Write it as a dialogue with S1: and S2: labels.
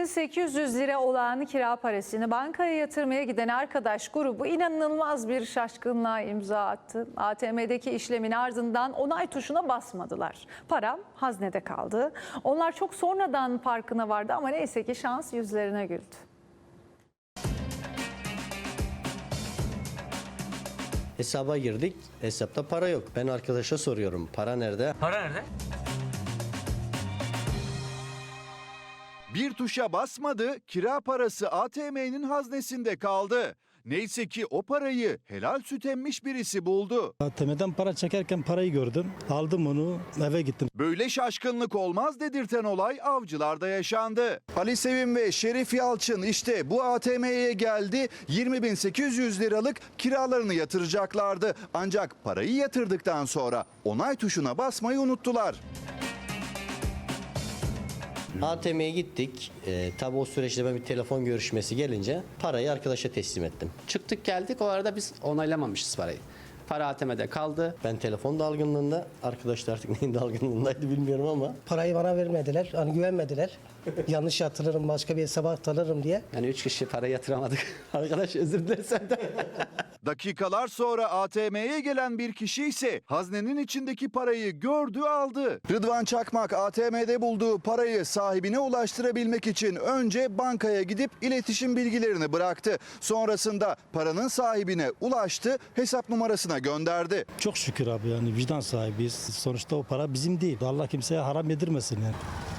S1: 70.800 lira olan kira parasını bankaya yatırmaya giden arkadaş grubu inanılmaz bir şaşkınlığa imza attı. ATM'deki işlemin ardından onay tuşuna basmadılar. Para haznede kaldı. Onlar çok sonradan farkına vardı ama neyse ki şans yüzlerine güldü.
S2: Hesaba girdik. Hesapta para yok. Ben arkadaşa soruyorum. Para nerede?
S3: Para nerede?
S4: Bir tuşa basmadı, kira parası ATM'nin haznesinde kaldı. Neyse ki o parayı helal süt emmiş birisi buldu.
S5: ATM'den para çekerken parayı gördüm. Aldım onu, eve gittim.
S4: Böyle şaşkınlık olmaz dedirten olay Avcılar'da yaşandı. Ali Sevim ve Şerif Yalçın işte bu ATM'ye geldi. 20.800 liralık kiralarını yatıracaklardı. Ancak parayı yatırdıktan sonra onay tuşuna basmayı unuttular.
S2: ATM'ye gittik. Tabii o süreçte ben bir telefon görüşmesi gelince parayı arkadaşa teslim ettim.
S6: Çıktık geldik, o arada biz onaylamamışız parayı. Para ATM'de kaldı.
S2: Ben telefon dalgınlığında, arkadaş da artık neyin dalgınlığındaydı bilmiyorum ama.
S7: Parayı bana vermediler, hani güvenmediler. Yanlış yatırırım, başka bir hesaba aktarırım diye.
S6: Yani 3 kişi para yatıramadık. Arkadaş özür dilerim senden.
S4: Dakikalar sonra ATM'ye gelen bir kişi ise haznenin içindeki parayı gördü, aldı. Rıdvan Çakmak ATM'de bulduğu parayı sahibine ulaştırabilmek için önce bankaya gidip iletişim bilgilerini bıraktı. Sonrasında paranın sahibine ulaştı, hesap numarasına gönderdi.
S5: Çok şükür abi, yani vicdan sahibiyiz. Sonuçta o para bizim değil. Allah kimseye haram yedirmesin yani.